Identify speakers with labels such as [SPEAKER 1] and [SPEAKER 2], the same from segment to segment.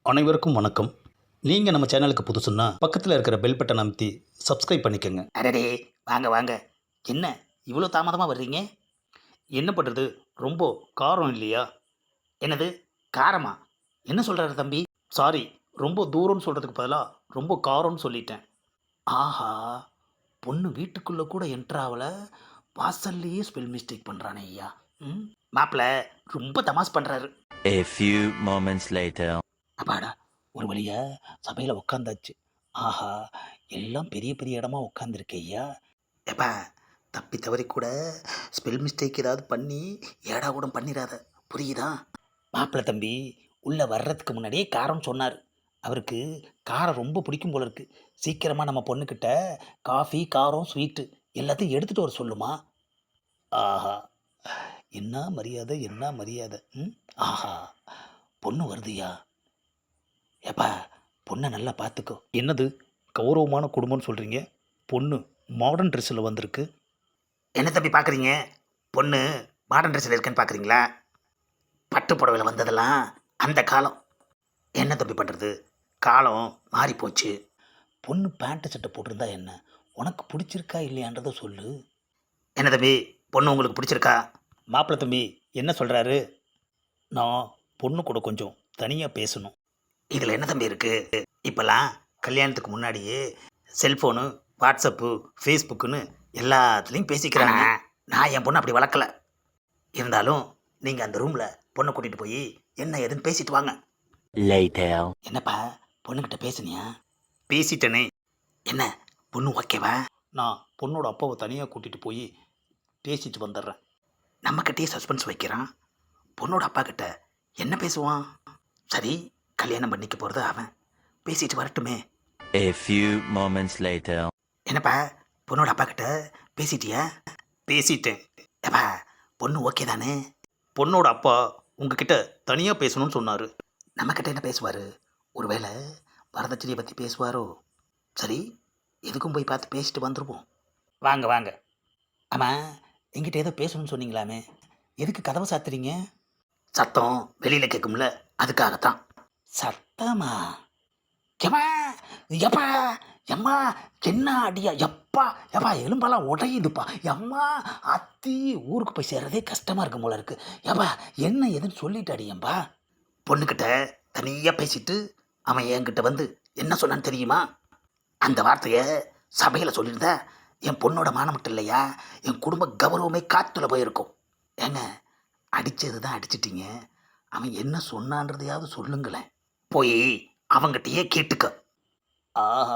[SPEAKER 1] அனைவருக்கும் வணக்கம். நீங்கள் நம்ம சேனலுக்கு புதுசுன்னா பக்கத்தில் இருக்கிற பெல் பட்டனை அமைத்தி சப்ஸ்கிரைப் பண்ணிக்கோங்க.
[SPEAKER 2] அடடே, வாங்க வாங்க. என்ன இவ்வளோ தாமதமாக வர்றீங்க?
[SPEAKER 1] என்ன பண்ணுறது, ரொம்ப காரம் இல்லையா?
[SPEAKER 2] என்னது, காரமா? என்ன சொல்கிறாரு தம்பி?
[SPEAKER 1] சாரி, ரொம்ப தூரம்னு சொல்கிறதுக்கு பதிலாக ரொம்ப காரம்னு சொல்லிட்டேன்.
[SPEAKER 2] ஆஹா, பொண்ணு வீட்டுக்குள்ளே கூட என்ட்ராவில் வாசல்லையே ஸ்பெல் மிஸ்டேக் பண்ணுறானே ஐயா. ம், மாப்பிள்ள ரொம்ப தமாஸ் பண்ணுறாரு.
[SPEAKER 3] A few moments later.
[SPEAKER 2] அப்பாடா, ஒரு வழியா சபையில் உட்காந்தாச்சு. ஆஹா, எல்லாம் பெரிய பெரிய இடமா உட்காந்துருக்கு ஐயா. எப்பா, தப்பி தவறி கூட ஸ்பெல் மிஸ்டேக் ஏதாவது பண்ணி ஏடா கூட பண்ணிடாத, புரியுதா? மாப்பிள்ளை தம்பி உள்ளே வர்றதுக்கு முன்னாடியே காரம் சொன்னார். அவருக்கு காரம் ரொம்ப பிடிக்கும் போல இருக்கு. சீக்கிரமாக நம்ம பொண்ணுக்கிட்ட காஃபி, காரம், ஸ்வீட்டு எல்லாத்தையும் எடுத்துகிட்டு வர சொல்லுமா. ஆஹா, என்ன மரியாதை, என்ன மரியாதை. ம், ஆஹா, பொண்ணு வருதுயா. ஏப்பா, பொண்ணை நல்லா பார்த்துக்கோ.
[SPEAKER 1] என்னது கௌரவமான குடும்பம்னு சொல்கிறீங்க? பொண்ணு மாடர்ன் ட்ரெஸ்ஸில் வந்திருக்கு.
[SPEAKER 2] என்ன தம்பி பார்க்குறீங்க? பொண்ணு மாடர்ன் ட்ரெஸ்ஸில் இருக்குன்னு பார்க்குறீங்களா? பட்டு புடவையில் வந்ததெல்லாம் அந்த காலம். என்ன தம்பி பண்ணுறது, காலம் மாறி போச்சு. பொண்ணு பேண்ட்டு சட்டை போட்டிருந்தா என்ன, உனக்கு பிடிச்சிருக்கா இல்லையான்றதை சொல்லு. என்ன தம்பி, பொண்ணு உங்களுக்கு பிடிச்சிருக்கா?
[SPEAKER 1] மாப்பிள்ளை தம்பி என்ன சொல்கிறாரு? நான் பொண்ணு கூட கொஞ்சம் தனியாக பேசணும்.
[SPEAKER 2] இதில் என்ன தம்பி இருக்குது? இப்போல்லாம் கல்யாணத்துக்கு முன்னாடியே செல்ஃபோனு, வாட்ஸ்அப்பு, ஃபேஸ்புக்குன்னு எல்லாத்துலேயும் பேசிக்கிறாங்க. நான் என் பொண்ணு அப்படி வளர்க்கல. இருந்தாலும் நீங்கள் அந்த ரூமில் பொண்ணை கூட்டிகிட்டு போய் என்ன ஏதுன்னு பேசிட்டு வாங்க.
[SPEAKER 3] Later.
[SPEAKER 2] என்னப்பா, பொண்ணுக்கிட்ட பேசுனியா? பேசிட்டனே. என்ன, பொண்ணு ஓகேவா?
[SPEAKER 1] நான் பொண்ணோட அப்பாவை தனியாக கூட்டிகிட்டு போய் பேசிட்டு வந்துடுறேன்.
[SPEAKER 2] நம்மக்கிட்டே சஸ்பென்ஸ் வைக்கிறான். பொண்ணோட அப்பா கிட்ட என்ன பேசுவான்? சரி, கல்யாணம் பண்ணிக்க போகிறது அவன், பேசிட்டு வரட்டுமே.
[SPEAKER 3] A few moments later.
[SPEAKER 2] என்னப்பா, பொண்ணோட அப்பா கிட்ட பேசிட்டியா?
[SPEAKER 1] பேசிட்டேன்.
[SPEAKER 2] ஏப்பா, பொண்ணு ஓகே தானே?
[SPEAKER 1] பொண்ணோட அப்பா உங்ககிட்ட தனியாக பேசணும்னு சொன்னார்.
[SPEAKER 2] நம்மக்கிட்ட என்ன பேசுவார்? ஒருவேளை வரதட்சணையை பற்றி பேசுவாரோ? சரி, எதுக்கும் போய் பார்த்து பேசிட்டு வந்துடுவோம். வாங்க வாங்க. ஆமாம், என்கிட்ட ஏதோ பேசணும்னு சொன்னீங்களாமே, எதுக்கு கதவை சாத்துறீங்க? சத்தம் வெளியில் கேட்கும்ல, அதுக்காகத்தான். சத்தமா? எம்மா, எப்பா, எம்மா, என்ன அடியா, எப்பா, எப்பா, எலும்பெல்லாம் உடையுதுப்பா, எம்மா, அத்தி, ஊருக்கு போய் சேர்றதே கஷ்டமாக இருக்கும் போல இருக்கு. எப்பா, என்ன எதுன்னு சொல்லிட்டு அடியம்பா. பொண்ணுக்கிட்ட தனியாக பேசிட்டு அவன் என்கிட்ட வந்து என்ன சொன்னான்னு தெரியுமா? அந்த வார்த்தையை சபையில் சொல்லியிருந்தா என் பொண்ணோட மானம் மட்டும் இல்லையா, என் குடும்ப கௌரவமே காற்றுல போயிருக்கும். ஏங்க, அடித்தது தான் அடிச்சிட்டிங்க, அவன் என்ன சொன்னான்றதையாவது சொல்லுங்களேன். போய் அவங்கிட்டயே கேட்டுக்க.
[SPEAKER 1] ஆஹா,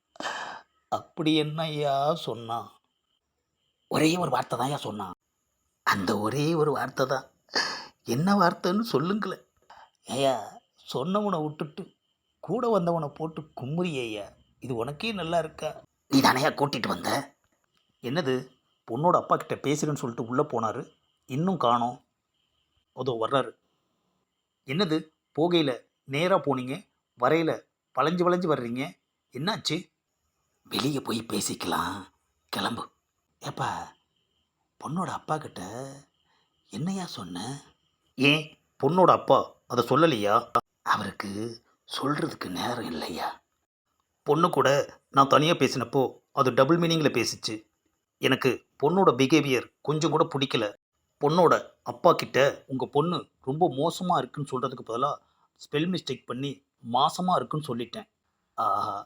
[SPEAKER 1] அப்படி என்னய்யா சொன்னான்?
[SPEAKER 2] ஒரே ஒரு வார்த்தை தான் ஏன் சொன்னான். அந்த ஒரே ஒரு வார்த்தை தான். என்ன வார்த்தைன்னு சொல்லுங்களேன்.
[SPEAKER 1] ஏயா, சொன்னவனை விட்டுட்டு கூட வந்தவனை போட்டு கும்முறியா? இது உனக்கே நல்லா இருக்கா?
[SPEAKER 2] நீ தானையா கூட்டிகிட்டு வந்த?
[SPEAKER 1] என்னது, பொண்ணோட அப்பா கிட்ட பேசுகிறேன்னு சொல்லிட்டு உள்ளே போனார், இன்னும் காணோம். அதோ வர்றாரு. என்னது, போகையில் நேராக போனீங்க, வரையில் வளைஞ்சு வளைஞ்சு வர்றீங்க, என்னாச்சு?
[SPEAKER 2] வெளியே போய் பேசிக்கலாம், கிளம்பு. ஏப்பா, பொண்ணோட அப்பா கிட்ட என்னையா சொன்ன?
[SPEAKER 1] ஏன் பொண்ணோட அப்பா அதை சொல்லலையா?
[SPEAKER 2] அவருக்கு சொல்கிறதுக்கு நேரம் இல்லையா?
[SPEAKER 1] பொண்ணு கூட நான் தனியாக பேசினப்போ அது டபுள் மீனிங்கில் பேசிச்சு. எனக்கு பொண்ணோட பிஹேவியர் கொஞ்சம் கூட பிடிக்கல. பொண்ணோட அப்பா கிட்ட உங்கள் பொண்ணு ரொம்ப மோசமாக இருக்குன்னு சொல்கிறதுக்கு பதிலாக ஸ்பெல் மிஸ்டேக் பண்ணி மாசமாக இருக்குன்னு சொல்லிட்டேன்.
[SPEAKER 2] ஆஹா,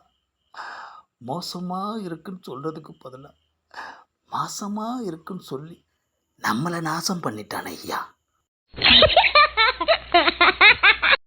[SPEAKER 2] மோசமாக இருக்குன்னு சொல்கிறதுக்கு பதிலாக மாசமாக இருக்குன்னு சொல்லி நம்மளை நாசம் பண்ணிட்டானே ஐயா.